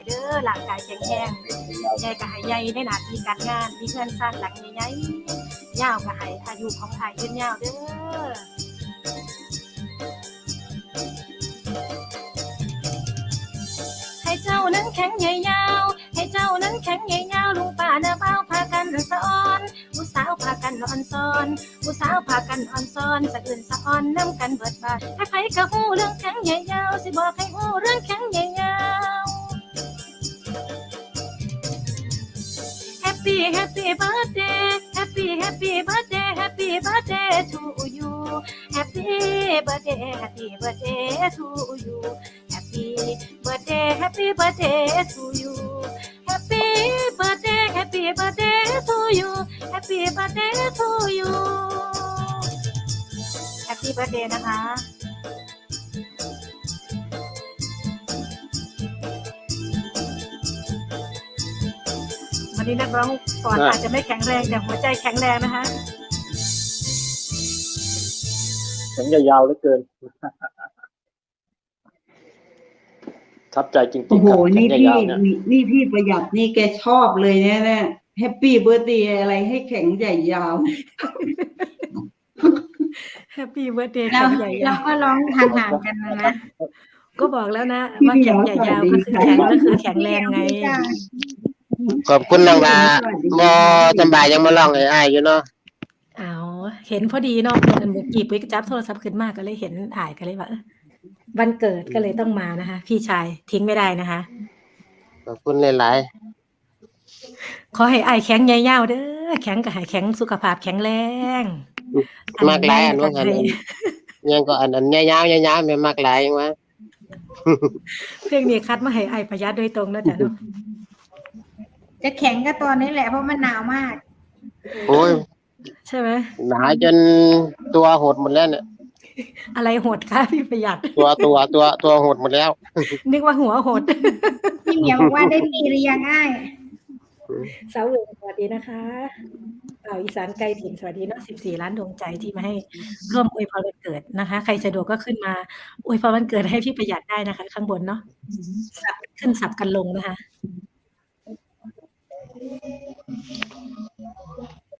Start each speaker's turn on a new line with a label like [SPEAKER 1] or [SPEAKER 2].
[SPEAKER 1] เด้อร่างกายแข็งแรงใหญ่ก็ให้ใหญ่ในหน้าที่การงานมีเงินสร้างหลังใหญ่ๆยาวก็ให้อายุของอ้ายยืนยาวเด้อให้เจ้านั้นแข็งใหญ่ยาวให้เจ้านั้นแข็งใหญ่ยาวลุงป้าน้าเบาพากันสะอ้อนผู้สาวพากันอ่อนซ้อนผู้สาวพากันอ่อนซ้อนสะอื่นสะอ่อนน้ำกันเบิดบานให้ไผก็ฮู้เรื่องแข็งใหญ่ยาวสิบอกให้ฮู้เรื่องแข็งใหญ่ยาว Happy Happy Birthday Happy Happy Birthday Happy Birthday to you Happy Birthday Happy Birthday to you Happy Birthday Happy Birthday to you Happy Birthday Happy Birthday to you Happy Birthday to you Happy Birthday นะคะวันนี้นักร้องก่อนอาจจะไม่แข็งแรงแต่หัวใจแข็งแรงนะคะ
[SPEAKER 2] แข็งยาวๆเหลือเกินทับใจจริงๆโอ้โห
[SPEAKER 3] นี่พี่ประหยัดนี่แกชอบเลยเนี่ยแฮปปี้เบิร์ธเดย์อะไรให้แข็งใหญ่ยาว
[SPEAKER 1] แฮปปี้เบิร์ธเดย์แข็งใหญ่ยาว
[SPEAKER 4] ก็ร้องห่างๆกันนะ
[SPEAKER 1] ก็บอกแล้วนะว่าแข็งใหญ่ยาวก็คือแข็งก็คือแข็งแรงไง
[SPEAKER 5] ขอบคุณน้องลาบ่สบายยังมาร้องให้อ้ายอยู่เนาะ
[SPEAKER 1] อ้าวเห็นพอดีเนาะเมื่อกี้ปุ้ยก็จับโทรศัพท์ขึ้นมาก็เลยเห็นอ้ายก็เลยว่าวันเกิดก็เลยต้องมานะคะพี่ชายทิ้งไม่ได้นะคะ
[SPEAKER 5] ขอบคุณหลาย
[SPEAKER 1] ๆขอให้อ้ายแข็งใหญ่ยาวเด้อแข็งก็ให้แข็งสุขภาพแข็งแรง
[SPEAKER 5] มากหลายอันว่าอันยังก็อันยาวๆๆแม่มากหลายจังว่า
[SPEAKER 1] เพลงนี้คัดมาให้อ้ายประหยัดโดยตรงนะจ๊ะเนาะ
[SPEAKER 4] จะแข็งก็ตอนนี้แหละเพราะมันหนาวมาก
[SPEAKER 5] โอ้ย
[SPEAKER 1] ใช่ไหม
[SPEAKER 5] หนาวจนตัวหดหมดแล้วเนี่ย
[SPEAKER 1] อะไรหดคะพี่ประหยัด
[SPEAKER 5] ตัวหดหมดแล้ว
[SPEAKER 1] นึกว่าหัวหด
[SPEAKER 4] พี่เหมียวบอกว่าได้มีหรือยังอ้าย
[SPEAKER 1] สาวเหลืองสวัสดีนะคะอีสานไกลถิ่นสวัสดีเนาะ14 ล้านดวงใจที่มาให้ร่วมอวยพรวันเกิดนะคะใครสะดวกก็ขึ้นมาอวยพรวันเกิดให้พี่ประหยัดได้นะคะข้างบนเนาะสับขึ้นสับกันลงนะคะ